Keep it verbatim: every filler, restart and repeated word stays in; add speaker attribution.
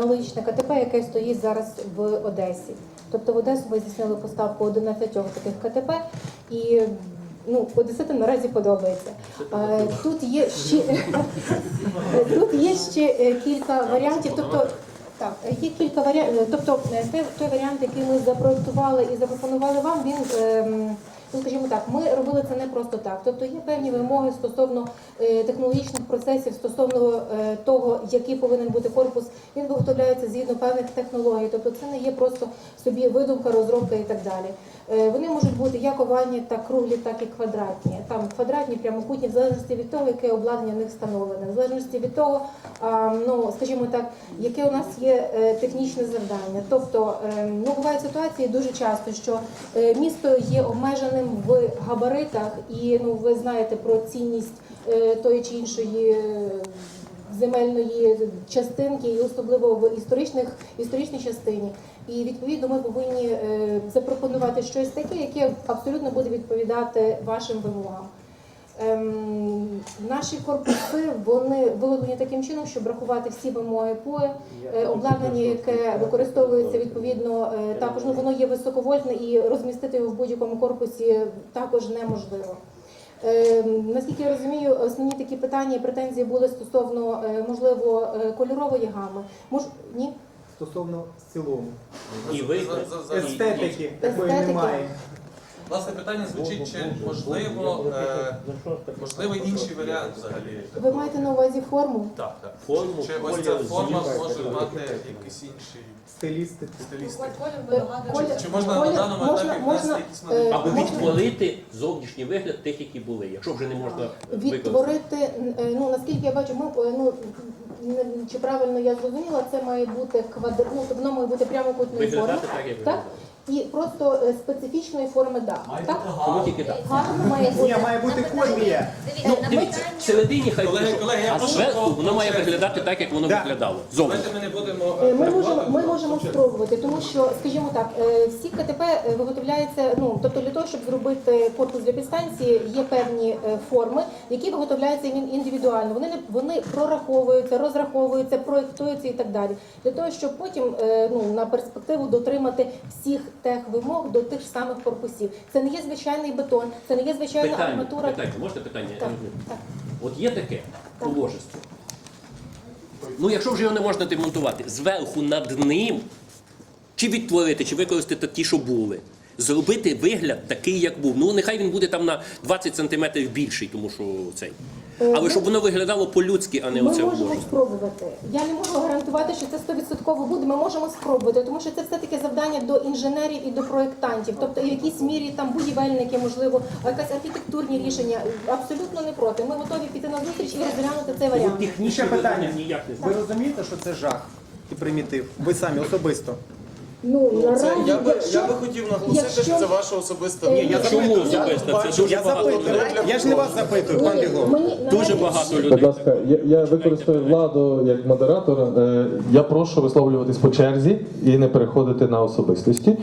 Speaker 1: аналогічне КТП, яке стоїть зараз в Одесі. Тобто в Одесу ми здійснили поставку одинадцятьох таких КТП, і ну, одеситам наразі подобається. Тут є ще, тут є ще кілька варіантів. Тобто, так, є кілька варіантів. Тобто той, той варіант, який ми запроектували і запропонували вам, він, ну, скажімо так, ми робили це не просто так. Тобто є певні вимоги стосовно технологічних процесів, стосовно того, який повинен бути корпус. Він виготовляється згідно певних технологій. Тобто це не є просто собі видумка, розробка і так далі. Вони можуть бути як овальні, так круглі, так і квадратні. Там квадратні, прямокутні, в залежності від того, яке обладнання в них встановлене, в залежності від того, ну, скажімо так, яке у нас є технічне завдання. Тобто, ну, бувають ситуації дуже часто, що місто є обмеженим в габаритах, і, ну, ви знаєте про цінність тої чи іншої земельної частинки, і особливо в історичних, історичній частині. І, відповідно, ми повинні е, запропонувати щось таке, яке абсолютно буде відповідати вашим вимогам. Ем, наші корпуси, вони виготовлені таким чином, щоб врахувати всі вимоги ПОЕ. Е, обладнання, яке використовується, відповідно, е, також, ну, воно є високовольтне, і розмістити його в будь-якому корпусі також неможливо. Е, наскільки я розумію, основні такі питання і претензії були стосовно, е, можливо, кольорової гами. Мож... Ні?
Speaker 2: Стосовно в цілому.
Speaker 3: І ви
Speaker 2: Естетики такої немає.
Speaker 4: Власне, питання звучить, чи можливо, е, можливо інший варіант взагалі?
Speaker 1: Ви маєте на увазі форму?
Speaker 4: Так, так.
Speaker 3: форму,
Speaker 4: Чи ось ця форма може мати якийсь інший
Speaker 2: Стилістики.
Speaker 4: стилістик?
Speaker 1: Колір-
Speaker 4: Чи можна на
Speaker 1: колір-
Speaker 4: даному
Speaker 1: можна-
Speaker 4: етапі внести
Speaker 1: можна,
Speaker 4: якісь
Speaker 1: е,
Speaker 4: нові?
Speaker 3: або
Speaker 1: можна-
Speaker 3: відтворити зовнішній вигляд тих, які були, якщо вже не можна використати.
Speaker 1: Відтворити, е, ну, наскільки я бачу, ми, е, ну, не- чи правильно я зрозуміла, це має бути квадр... ну, тобто воно має бути прямокутної форми.
Speaker 3: Виглядати так, як
Speaker 1: Так?
Speaker 3: виглядає.
Speaker 1: І просто е, специфічної форми дах. Так?
Speaker 3: Тому тільки так.
Speaker 1: Гарно має
Speaker 2: Ні,
Speaker 1: бути.
Speaker 2: має бути колія.
Speaker 3: Ну, дивіться, всередині хай
Speaker 4: Колеги,
Speaker 3: буде,
Speaker 4: колеги, я
Speaker 3: а
Speaker 4: прошу
Speaker 3: зверху
Speaker 4: по-
Speaker 3: воно має
Speaker 4: по черзі.
Speaker 3: виглядати так, як воно
Speaker 2: Да.
Speaker 3: виглядало. Зовнішньо.
Speaker 4: Давайте ми не будемо...
Speaker 1: Е, Ми можемо, ми
Speaker 4: перебувати.
Speaker 1: можемо спробувати, тому що, скажімо так, е, всі КТП виготовляються, ну, тобто для того, щоб зробити корпус для підстанції, є певні е, форми, які виготовляються ін- індивідуально. Вони, не, вони прораховуються, розраховуються, проєктуються і так далі. Для того, щоб потім, е, ну, на перспективу дотримати всіх тех вимог до тих ж самих корпусів. Це не є звичайний бетон, це не є звичайна
Speaker 3: Питання,
Speaker 1: арматура.
Speaker 3: питання, можете питання?
Speaker 1: Так, так.
Speaker 3: От є таке
Speaker 1: Так.
Speaker 3: положество. Ну, якщо вже його не можна демонтувати, зверху над ним, чи відтворити, чи використати ті, що були, зробити вигляд такий, як був. Ну, нехай він буде там на двадцять сантиметрів більший, тому що цей. Але щоб воно виглядало по-людськи, а не
Speaker 1: Ми
Speaker 3: оце
Speaker 1: можемо
Speaker 3: обложення.
Speaker 1: спробувати. Я не можу гарантувати, що це сто відсотків буде. Ми можемо спробувати, тому що це все-таки завдання до інженерів і до проєктантів. Тобто і в якійсь мірі там будівельники, можливо, якісь архітектурні рішення. Абсолютно не проти. Ми готові піти на зустріч і розглянути цей варіант.
Speaker 3: Технічне
Speaker 2: Ще питання.
Speaker 3: питання ніяк не
Speaker 2: Ви розумієте, що це жах і примітив? Ви самі особисто.
Speaker 1: Ну, наразі,
Speaker 5: Це, я, би,
Speaker 1: якщо-
Speaker 5: я би хотів наголосити,
Speaker 1: якщо-
Speaker 5: що це ваша особиста
Speaker 1: Е,
Speaker 5: думка.
Speaker 2: я
Speaker 3: Чому
Speaker 2: запитую.
Speaker 3: особисто? Це дуже
Speaker 2: Я
Speaker 3: багато
Speaker 2: запитую.
Speaker 3: людей.
Speaker 2: Я ж не вас запитую, пан Біглов.
Speaker 1: Мені
Speaker 3: Дуже
Speaker 1: наразі-
Speaker 3: багато
Speaker 6: Будь
Speaker 3: людей.
Speaker 6: ласка, я, я використаю владу як модератор. Е, Я прошу висловлюватись по черзі і не переходити на особистості.